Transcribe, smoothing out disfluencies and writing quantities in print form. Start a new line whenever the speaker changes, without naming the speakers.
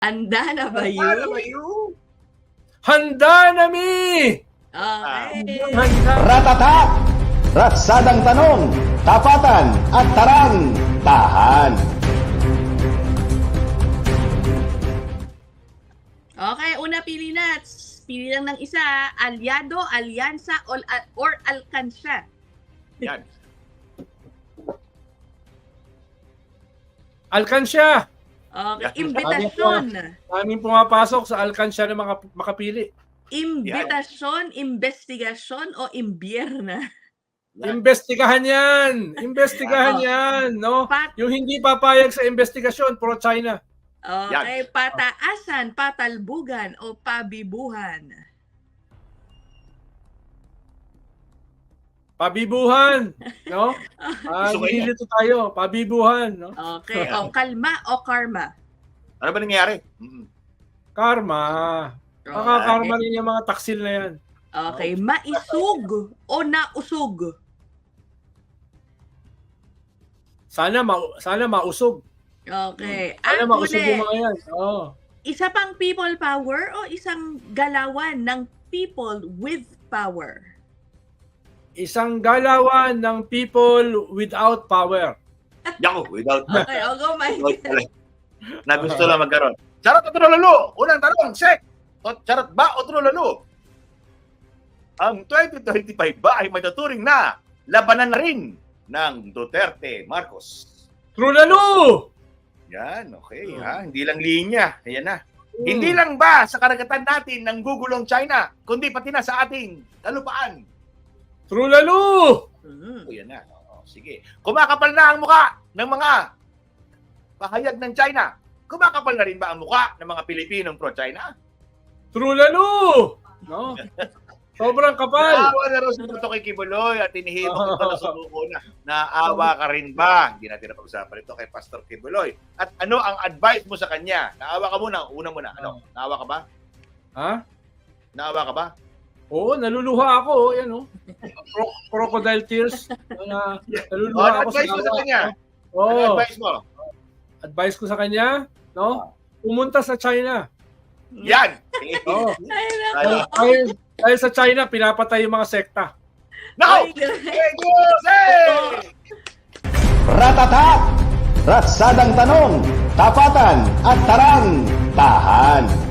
Handa na ba
Handa na ba
yun?
yun?
Handa na mi!
Okay.
Handa.
Ratatak! Ratsadang tanong, tapatan at tarang, tahan.
Okay, una pili na. Pili lang ng isa. Alyado, alyansa, or alkansya.
Yan.
Alkansya!
Okay,
Yan.
imbitasyon.
Aming pumapasok sa alkansya na makapili.
Imbitasyon, investigasyon, o imbierna.
Imbestigahan yan! Imbestigahan
Oo.
yan! No?
Pat-
Yung hindi papayag sa investigasyon, pro-China.
Okay, pataasan, patalbugan, o pabibuhan.
Pabibuhan! No?
Gusto ko yan.
Nililito tayo. Pabibuhan. No?
Okay, o kalma o karma.
Ano ba nangyari?
Karma. Makakarma rin yung mga taksil na yan.
Okay, maisug o nausog.
Sana mausog.
Okay,
Sana
at
mausog yung
uli,
mga yan. Oh.
isa pang people power o isang galawan ng people with power?
Isang galawan ng people without power.
Yako, without
Okay, I'll go my
na gusto lang magkaroon. Charot o trulalo? Unang tanong, check. Charot ba o trulalo? Ang 2025 ba ay matuturing na labanan na rin ng Duterte Marcos?
Trulalo!
Yan, okay ha. Hindi lang linya. Ayan na. Hindi lang ba sa karagatan natin ng gugulong China, kundi pati na sa ating kalupaan?
Trulalo!
O yan na. O, sige. Kumakapal na ang muka ng mga pahayag ng China. Kumakapal na rin ba ang muka ng mga Pilipinong pro-China?
Trulalo! No? Sobrang kapal.
Naawa na raw si Tuto kay Kibuloy at inihibok ito na subuko na. Naawa ka rin ba? Hindi natin napag-usapan ito kay Pastor Kibuloy. At ano ang advice mo sa kanya? Naawa ka muna. Una muna. Ano? Naawa ka ba?
Ha?
Naawa ka ba?
Oo, naluluha ako. Yan, oh. Crocodile tears. Naluluha ako
Ano advice mo sa kanya? Ano
Oo.
advice mo?
Advice ko sa kanya, no? Pumunta sa China.
Yan!
Oo.
Ano?
Dahil sa China, pinapatay yung mga sekta.
Now! Hey, Diyos! Hey!
Ratatak! Ratsadang tanong, tapatan at tarang, tahan.